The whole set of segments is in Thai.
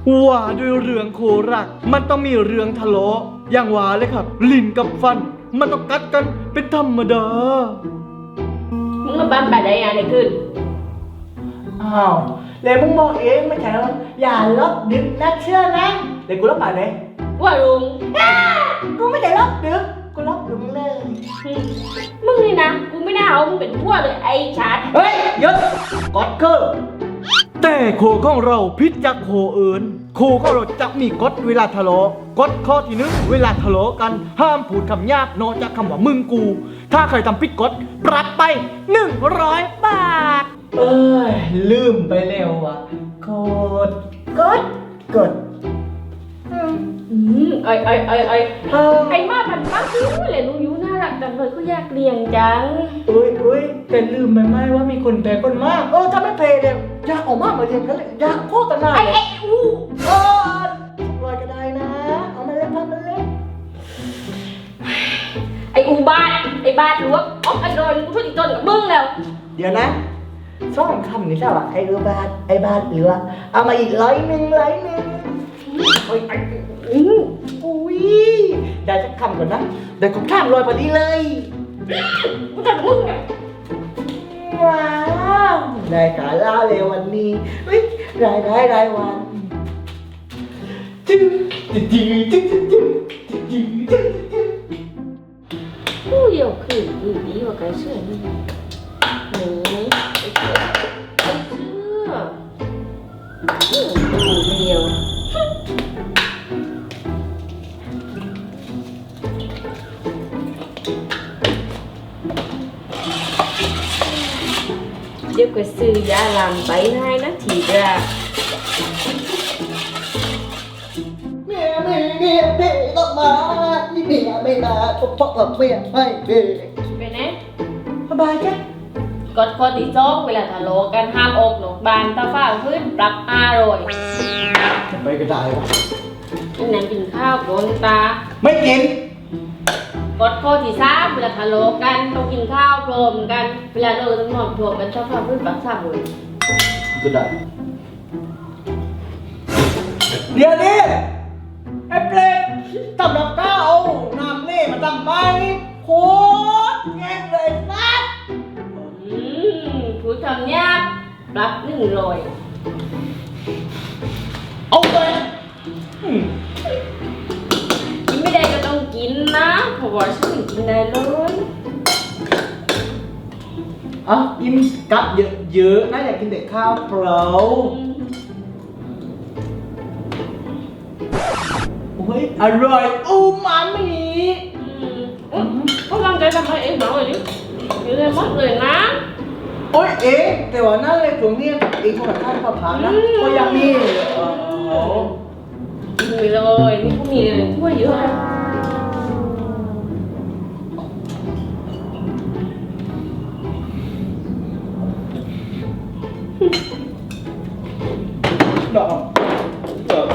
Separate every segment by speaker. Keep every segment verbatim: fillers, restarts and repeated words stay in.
Speaker 1: ว่าด้วยเรื่องโครักมันต้องมีเรื่องทะเลาะอย่างว่าเลยครับลิ้นกับฟันมันต้องกัดกันเป็นธรรมดา
Speaker 2: มึงมาบ้านไปได้ยังไงขึ้น
Speaker 1: อ้าวเลยมึงบอกเองไม่ใช่หรออย่าลบดึกนะเชื่อนะเดี๋ยวกูลบไปเลย
Speaker 2: ว่าลุง
Speaker 1: กูไม่ได้ลบดึกกูลบดึกเลย
Speaker 2: มึงนี่นะกูไม่น่าเอามึงเป็นพวกเลยไอ้ชัด
Speaker 1: เฮ้ยหยุดกดเกอร์แต่โคของเราพิษจากโคอื่นโคของเราจะมีกฎเวลาทะเลาะกฎข้อที่หนึ่งเวลาทะเลาะกันห้ามพูดคำหยาบนอกจากคำว่ามึงกูถ้าใครทำผิดกฎปรับไปหนึ่งร้อยบาทเอ้ยลืมไปแล้วอ่ะกดกดกด
Speaker 2: อืมไอ้ไอ้ไอ้ไอ้ไอ้มาพันมากเลยลุงยูน่ารักจังเลยก็อยากเลี้ยงจัง
Speaker 1: อุ้ยอุ้ยแต่ลืมไปไหมว่ามีคนแพ้คนมากเออถ้าไม่เพย์เนี่ยอยากออกมามาเรียนกันเลยอยากโคตรนาย
Speaker 2: ไอ้ไอ้อู้
Speaker 1: เออลอยก็ได้นะเอามาเล่นพันมาเล่น
Speaker 2: ไอ้อูบ้านไอ้บ้านหรือว่าอ๋อไอ้โดนกูช่วยอีกจนกับมึงแล้ว
Speaker 1: เดี๋ยวนะสองคำนี่ใช่ป่ะไอ้อูบ้านไอ้บ้านหรือว่าเอามาอีกร้อยหนึ่งร้อยหนึ่งโอ้ยอุ้ยได้สักคำก่อนนะได้ครบข้ามลอยพอดีเลย
Speaker 2: กูจะมึงไง
Speaker 1: ว้าวได้กาล่าเลยวันนี้เฮ้ยรายได้รายวันจึ๊งจึ๊งจึ๊งจึ๊งจึ๊งจึ๊งจึ๊งจึ๊งจึ๊ง
Speaker 2: กูเดี๋ยวคืนดีดีกว่ากันเชื่อนี่หนูไอ้เชื่อไอ้เชื่อดูเดียวเดี๋ยวก็ซื้อยาลามไปให้นะทีเดียว
Speaker 1: เมียไม่เมียเด็กต้องมานี่เมียไม่มาเพราะเพราะเมียไม่เด็ก
Speaker 2: ไปไหน
Speaker 1: สบายแค่
Speaker 2: กดข้อที่สองเวลาทะเลาะกันห้ามออกนอกบ้านถ้าฝ้าพื้นปรับอร่อย
Speaker 1: ไปก็ได้วะ
Speaker 2: กินน้ำกินข้าวบนตา
Speaker 1: ไม่กิน
Speaker 2: กดข้อที่สามเวลาทะเลาะกันต้องกินข้าวพร้อมกันเวลาเราต้องนอนพร้อมกันถ้าฝ้าพื้นปรับสามเลย
Speaker 1: ก็ได้เดี๋ยวนี้ไอ้เปรตทำกับข้าวน้ำเล่มาทำไมโคตรแง่เลยนัด
Speaker 2: อืมผู้ทำยากปรับหนึ่งร้อย
Speaker 1: เอาไป
Speaker 2: กินไม่ได้ก็ต้องกินนะเพราะว่าฉันกินได้เลย
Speaker 1: อ่ะกินกับเยอะๆนะอยากกินแต่ข้าวเปล่าโอ้ยอร่อยอูมามิ
Speaker 2: อืมก็ร่างกายทำให้เองหน่อยดิเยอะเลยมากเลยนะ
Speaker 1: โอ้ยเอ๊ะแต่ว่านั่นเลยตรงนี้เองคนละท่านก็ผ่านนะก็ยังมี
Speaker 2: มีเลยนี่ก็มีเลยถ้วยเยอะ
Speaker 1: ดอกดอก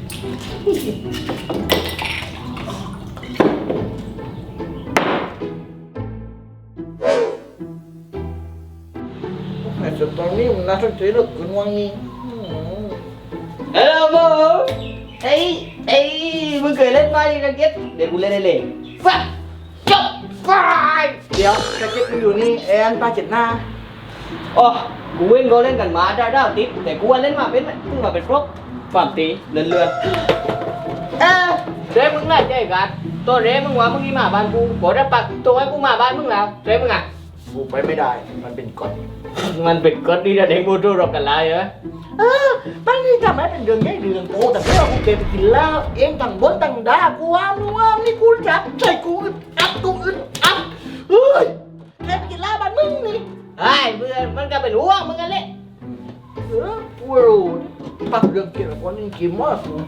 Speaker 1: แต่ตอนนี้มันน่าสนใจเหลือเกินว่างี้เฮ้ยโบเฮ้ยเฮ้ยมึงเคยเล่นไหมกระเก็ตเดี๋ยวกูเล่นได้เลยฟัดจบไปเดี๋ยวกระเก็ตมึงอยู่นี่แอนปาเจ็ดหน้า
Speaker 3: อ๋อกูเล่นก็เล่นกันมาได้ได้ติดแต่กูว่าเล่นมาเป็นเพิ่งมาเป็นพวกฝั่งตีเลื่อนเลื่อนเออเจ๊มึงน่าใจกันตัวเจ๊มึงว่ามึงนี่มาบ้านกูบอกได้ปักตัวให้กูมาบ้านมึงแล้วเจ๊มึงอ่ะ
Speaker 1: กูไปไม่ได้มันเป็นกฎ
Speaker 3: มันเป็นกฎที่จะเด็กบูทูรบกันแล้วเหรอ
Speaker 1: เออตั้งนี่ทำไมเป็นเรื่องแค่เรื่องโตแต่เพื่อกูเก็บไปกินแล้วเองต่างบนต่างด่ากูว่ามึงว่านี่กูจับใส่กูอึดอัดกูอึดอัดเฮ้ยแค่ไปกินแล้วบ้านมึงนี่
Speaker 3: ไอ้เพื่อนมันก็เป็นห่วงมึงกันเลย
Speaker 1: เออกูรู้ปักเรื่องเกี่ยวกับคนนี้กินมากกู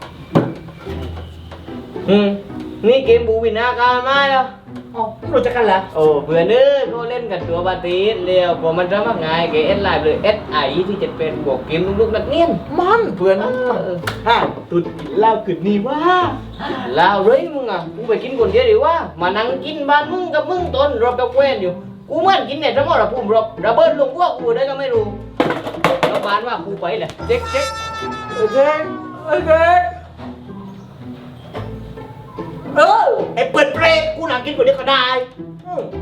Speaker 3: อืมนี่เกมบูวินาการมาแล้ว
Speaker 1: อ๋อรู้จักกันแล้ว
Speaker 3: โอ้เพื่อนเอ้ยเขาเล่นกันตัวบาตีเร็วพอมันจะมาง่ายเกมเอสไลน์เลยเอสไอที่จะเป็นบวกเกมลูกๆนักเนียน
Speaker 1: มันเพื่อนฮะตุดกินเหล้าขึ้นนี่ว่า
Speaker 3: เหล้าเลยมึงอ่ะกูไปกินคนเดียวดีว่ามานั่งกินบ้านมึงกับมึงต้นรบกับเว้นอยู่กูเหมือนกินเนี่ยทั้งหมดอะพุ่มรบระเบิดลงพวกกูได้ก็ไม่รู้แล้วบ้านว่ากูไปแหละเจ๊กเจ๊ก
Speaker 1: เจ๊กเอไอ้เด็กเออไอ้เปิดเปรตกูหนังกินกว่านี้ก็ได้อืม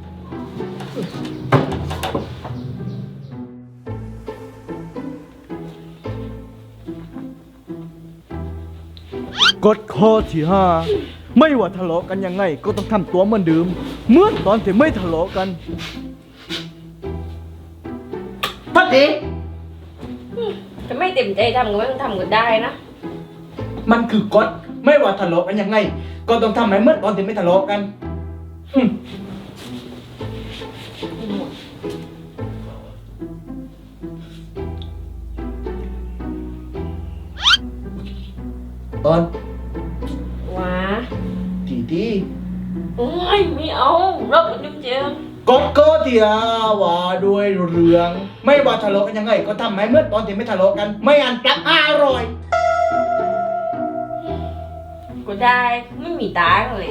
Speaker 1: กฎข้อที่ห้าไม่ว่าทะเลาะกันยังไง ก็ต้องทำตัวเหมือนเดิมเหมื่อนตอนที่ไม่ทะเลาะกันพัดดี
Speaker 2: จะไม่เต็มใจทำก็ไม่ต้องทำก็ได้นะ
Speaker 1: มันคือกฎไม่ว่าทะเลาะกันยังไง ก็ต้องทำให้เหมื่อนตอนที่ไม่ทะเลาะกันหึตอน
Speaker 2: ว้า
Speaker 1: ทีที
Speaker 2: โอ้ยไม่เอาเราเป็นจุ๊บเจียม
Speaker 1: กฎก็ที่ห้าว่าด้วยเรื่อง ไม่ว่าทะเลาะกันยังไง ก็ทำให้เหมื่อนตอนที่ไม่ทะเลาะกัน ไม่อันปลักอร่อย
Speaker 2: ก็ได้ไม่มีตังค์เลย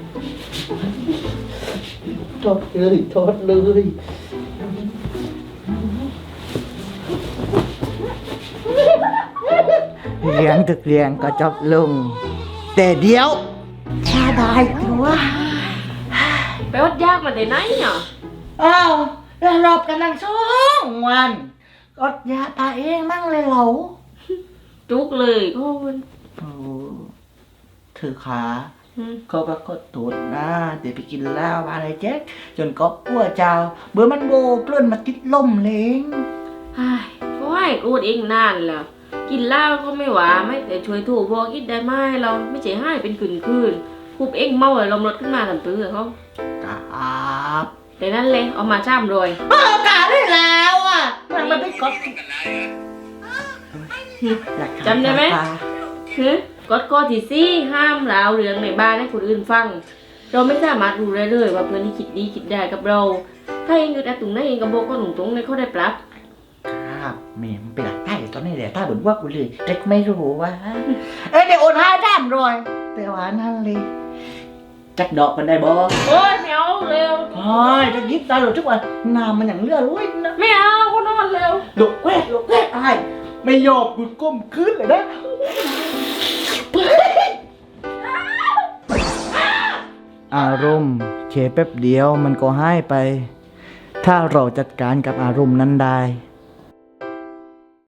Speaker 1: โทษเลยโทษเลยเลี้ยงตึกเลี้ยงก็จบลง แต่เดียวชาบายตัว
Speaker 2: ไปวัดยากมาแต่ไหนเนาะ
Speaker 4: อ้าวแล้วรอบกันตั้งสองวันกดยาตาเองมั่งเลยเหรอ
Speaker 2: จุกเลยก็มัน
Speaker 4: โอ้เธอขา
Speaker 2: อืม
Speaker 4: เขาปรากฏตูดนะเดี๋ยวไปกินเหล้ามาเลยแจ๊กจนก็อ้วเจ้า เบื่อมันโบเปลื้อนมาติดลมเลง
Speaker 2: ไอ้ก็ให้กูดเองนานแล้ว กินเหล้าก็ไม่หวาไม่แต่ช่วยถูกพอกินได้ไหมเราไม่ใช่ให้เป็นคืนคืนคูบเองเมาเลยลมรถขึ้นมาทำตื้อเขา
Speaker 4: ครับ
Speaker 2: แต่นั่นเลยเอามาช่ำเลย
Speaker 4: เออกาได้แล้วอ่ะมันมันไม่กดหลักฐาน
Speaker 2: จำได้ไหม
Speaker 4: ค่ะ
Speaker 2: ฮึกฎข้อที่สี่ห้ามเล่าเรื่องในบ้านให้คนอื่นฟัง เราไม่สามารถรู้ได้เลยว่าเพื่อนที่คิดดีคิดได้กับเรา ถ้าเองอยู่แต่ตรงนั้นเองกับโบก็หนุ่งตรงในเขาได้ปรับ
Speaker 4: ครับแม่มันเป็นหลักใต้ตอนนี้แหละถ้าเหมือนว่ากูเลยเด็กไม่รู้ว่าเอ้ยเดี๋ยวโอนห้าด้านรอยแต่ว่านั่นเลยจักดอกกันได้บ่
Speaker 2: โอ้ยไม่เอาเร็ว
Speaker 4: โอ้ยจะยิบตาหลุดทุกวันน้ำมันอย่างเลือดลุ้ยนะ
Speaker 2: ไม่เอาก็นอนเร็ว
Speaker 4: หลุดแวกหลุดแวกไอ้
Speaker 1: ไม่ยอมกูก้มขึ้นเลยนะ อารมณ์แค่แป๊บเดียวมันก็หายไป ถ้าเราจัดการกับอารมณ์นั้นได้